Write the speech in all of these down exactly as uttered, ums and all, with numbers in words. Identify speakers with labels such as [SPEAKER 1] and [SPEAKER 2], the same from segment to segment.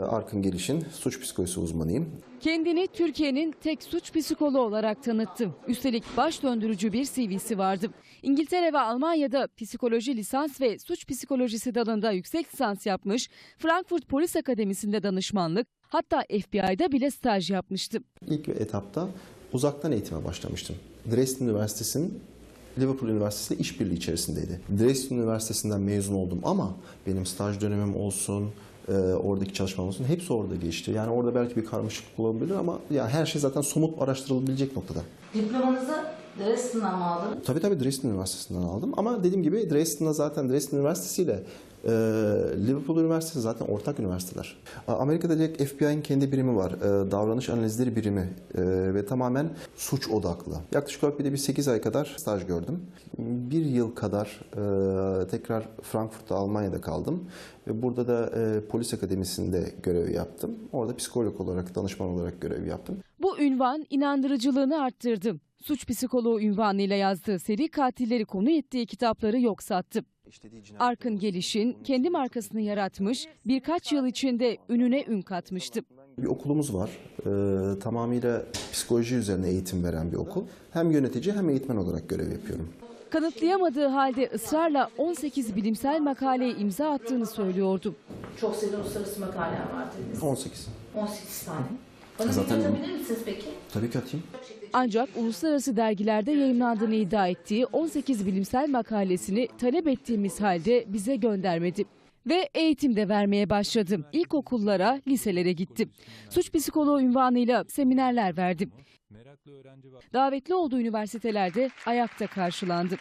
[SPEAKER 1] Arkın Geliş'in suç psikolojisi uzmanıyım.
[SPEAKER 2] Kendini Türkiye'nin tek suç psikoloğu olarak tanıttı. Üstelik baş döndürücü bir C V'si vardı. İngiltere ve Almanya'da psikoloji lisans ve suç psikolojisi dalında yüksek lisans yapmış, Frankfurt Polis Akademisi'nde danışmanlık, hatta F B I'da bile staj yapmıştı.
[SPEAKER 1] İlk etapta uzaktan eğitime başlamıştım. Dresden Üniversitesi'nin Liverpool Üniversitesi ile işbirliği içerisindeydi. Dresden Üniversitesi'nden mezun oldum ama benim staj dönemim olsun, e, oradaki çalışmam olsun hepsi orada geçti. Yani orada belki bir karmaşıklık olabilir ama yani her şey zaten somut araştırılabilecek noktada.
[SPEAKER 3] Diplomanızı Dresden'den mi aldınız?
[SPEAKER 1] Tabii tabii Dresden Üniversitesi'nden aldım ama dediğim gibi Dresden'da zaten Dresden Üniversitesi ile e, Liverpool Üniversitesi zaten ortak üniversiteler. Amerika'da direkt F B I'nin kendi birimi var. E, davranış analizleri birimi e, ve tamamen suç odaklı. Yaklaşık olarak bir de bir sekiz ay kadar staj gördüm. Bir yıl kadar e, tekrar Frankfurt'ta Almanya'da kaldım. Ve burada da e, polis akademisinde görev yaptım. Orada psikolog olarak, danışman olarak görev yaptım.
[SPEAKER 2] Bu ünvan inandırıcılığını arttırdı. Suç psikoloğu ünvanıyla yazdığı seri katilleri konu ettiği kitapları yok sattı. Arkın Geliş'in kendi markasını yaratmış, birkaç yıl içinde ününe ün katmıştı.
[SPEAKER 1] Bir okulumuz var. Ee, tamamıyla psikoloji üzerine eğitim veren bir okul. Hem yönetici hem eğitmen olarak görev yapıyorum.
[SPEAKER 2] Kanıtlayamadığı halde ısrarla on sekiz bilimsel makaleye imza attığını söylüyordu.
[SPEAKER 3] Çok sayıda uluslararası makaleler var dediniz.
[SPEAKER 1] on sekiz.
[SPEAKER 3] on sekiz tane. Bana
[SPEAKER 1] Zaten-
[SPEAKER 3] bir yazabilir misiniz peki?
[SPEAKER 1] Tabii ki atayım.
[SPEAKER 2] Ancak uluslararası dergilerde yayımlandığını iddia ettiği on sekiz bilimsel makalesini talep ettiğimiz halde bize göndermedi. Ve eğitim de vermeye başladı. İlkokullara, liselere gitti. Suç psikoloğu unvanıyla seminerler verdi. Davetli olduğu üniversitelerde ayakta karşılandı.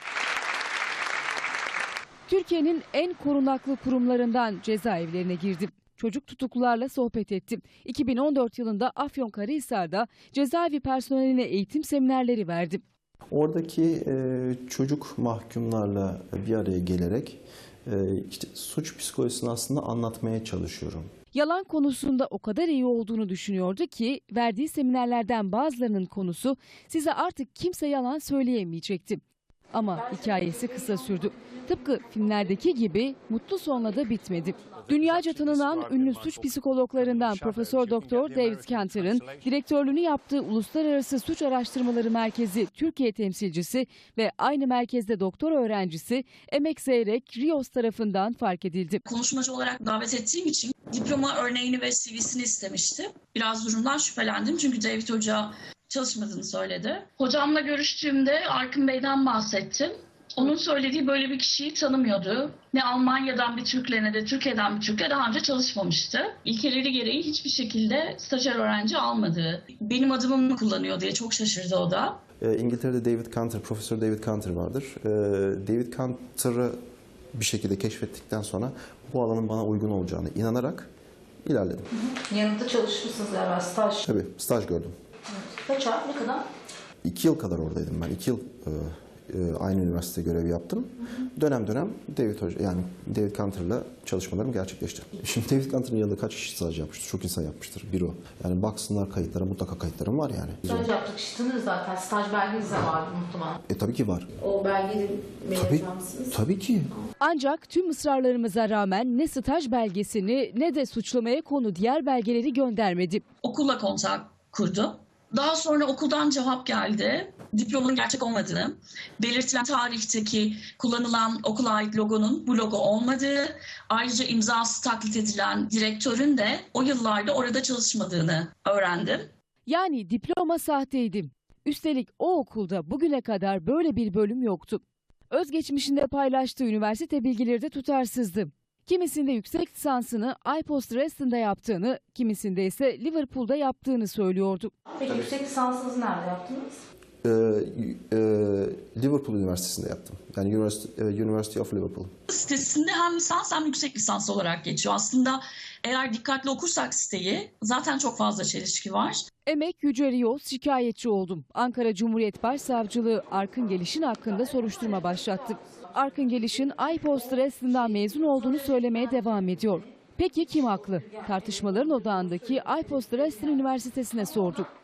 [SPEAKER 2] Türkiye'nin en korunaklı kurumlarından cezaevlerine girdi. Çocuk tutuklularla sohbet etti. iki bin on dört yılında Afyonkarahisar'da cezaevi personeline eğitim seminerleri verdi.
[SPEAKER 1] Oradaki e, çocuk mahkumlarla bir araya gelerek e, işte suç psikolojisini aslında anlatmaya çalışıyorum.
[SPEAKER 2] Yalan konusunda o kadar iyi olduğunu düşünüyordu ki verdiği seminerlerden bazılarının konusu size artık kimse yalan söyleyemeyecekti. Ama hikayesi kısa sürdü. Tıpkı filmlerdeki gibi mutlu sonla da bitmedi. Dünyaca tanınan ünlü suç psikologlarından Profesör Doktor David Cantor'ın direktörlüğünü yaptığı Uluslararası Suç Araştırmaları Merkezi Türkiye temsilcisi ve aynı merkezde doktor öğrencisi Emek Zeyrek Rios tarafından fark edildi.
[SPEAKER 4] Konuşmacı olarak davet ettiğim için diploma örneğini ve C V'sini istemişti. Biraz durumdan şüphelendim çünkü David Hoca çalışmadığını söyledi. Hocamla görüştüğümde Arkın Bey'den bahsettim. Onun söylediği böyle bir kişiyi tanımıyordu. Ne Almanya'dan bir Türk'le ne de Türkiye'den bir Türk'le daha önce çalışmamıştı. İlkeleri gereği hiçbir şekilde stajyer öğrenci almadı. Benim adımı mı kullanıyor diye çok şaşırdı o da.
[SPEAKER 1] E, İngiltere'de David Cantor, Profesör David Cantor vardır. E, David Cantor'ı bir şekilde keşfettikten sonra bu alanın bana uygun olacağını inanarak ilerledim.
[SPEAKER 3] Hı hı. Yanında çalışmışsınız galiba, staj.
[SPEAKER 1] Tabii staj gördüm.
[SPEAKER 3] Evet. Kaç ay, ne kadar?
[SPEAKER 1] İki yıl kadar oradaydım ben. İki yıl e, e, aynı üniversitede görev yaptım. Hı hı. Dönem dönem David Hoca, yani David Cantor'la çalışmalarım gerçekleşti. Şimdi David Cantor'ın yanında kaç kişi staj yapmıştır? Çok insan yapmıştır. Bir o. Yani baksınlar kayıtlara, mutlaka kayıtlarım var yani.
[SPEAKER 3] Staj yaptık, kişi tanırız zaten. Staj belgeniz de vardı muhtemelen.
[SPEAKER 1] E tabii ki var.
[SPEAKER 3] O belgeyi
[SPEAKER 1] Tabii,
[SPEAKER 3] mısınız?
[SPEAKER 1] tabii ki.
[SPEAKER 2] Ancak tüm ısrarlarımıza rağmen ne staj belgesini ne de suçlamaya konu diğer belgeleri göndermedi.
[SPEAKER 4] Okulla kontak kurdu. Daha sonra okuldan cevap geldi. Diplomanın gerçek olmadığını, belirtilen tarihteki kullanılan okula ait logonun bu logo olmadığı, ayrıca imzası taklit edilen direktörün de o yıllarda orada çalışmadığını öğrendim.
[SPEAKER 2] Yani diploma sahteydi. Üstelik o okulda bugüne kadar böyle bir bölüm yoktu. Özgeçmişinde paylaştığı üniversite bilgileri de tutarsızdı. Kimisinde yüksek lisansını I P O S Dresden'da yaptığını, kimisinde ise Liverpool'da yaptığını söylüyordu.
[SPEAKER 3] Peki yüksek lisansınızı nerede yaptınız?
[SPEAKER 1] Ee, e, Liverpool Üniversitesi'nde yaptım. Yani University, University of Liverpool.
[SPEAKER 4] Sitesinde hem lisans hem yüksek lisans olarak geçiyor. Aslında eğer dikkatli okursak siteyi zaten çok fazla çelişki var.
[SPEAKER 2] Emek Yüce Rios şikayetçi oldum. Ankara Cumhuriyet Başsavcılığı Arkın Geliş'in hakkında soruşturma başlattı. Arkın Geliş'in I P O S Dresden'dan mezun olduğunu söylemeye devam ediyor. Peki kim haklı? Tartışmaların odağındaki I P O S Dresden Üniversitesi'ne sorduk.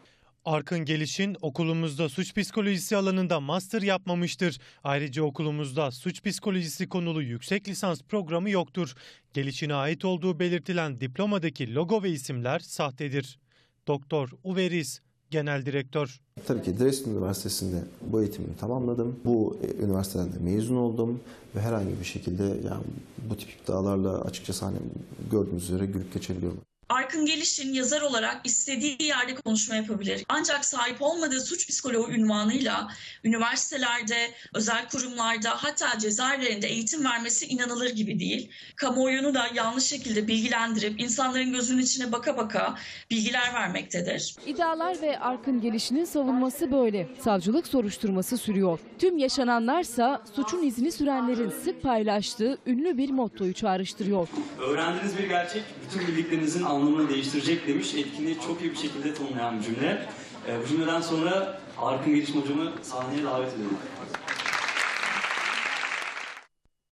[SPEAKER 5] Arkın Geliş'in okulumuzda suç psikolojisi alanında master yapmamıştır. Ayrıca okulumuzda suç psikolojisi konulu yüksek lisans programı yoktur. Geliş'in ait olduğu belirtilen diplomadaki logo ve isimler sahtedir. Doktor Uwe Ries, Genel Direktör.
[SPEAKER 1] Tabii ki Dresden Üniversitesi'nde bu eğitimimi tamamladım. Bu e, üniversiteden de mezun oldum ve herhangi bir şekilde yani bu tip iddialarla açıkçası hani gördüğünüz üzere gülüp geçebiliyorum.
[SPEAKER 4] Arkın Geliş'in yazar olarak istediği yerde konuşma yapabilir. Ancak sahip olmadığı suç psikoloğu unvanıyla üniversitelerde, özel kurumlarda hatta cezaevlerinde eğitim vermesi inanılır gibi değil. Kamuoyunu da yanlış şekilde bilgilendirip insanların gözünün içine baka baka bilgiler vermektedir.
[SPEAKER 2] İddialar ve Arkın Geliş'in savunması böyle. Savcılık soruşturması sürüyor. Tüm yaşananlarsa suçun izini sürenlerin sık paylaştığı ünlü bir mottoyu çağrıştırıyor.
[SPEAKER 6] Öğrendiğiniz bir gerçek bütün bildiklerinizin anlamını değiştirecek demiş. Etkinliği çok iyi bir şekilde tanımlayan bir cümle. E, bu cümleden sonra Arkın Geliş hocamı sahneye davet ediyorum.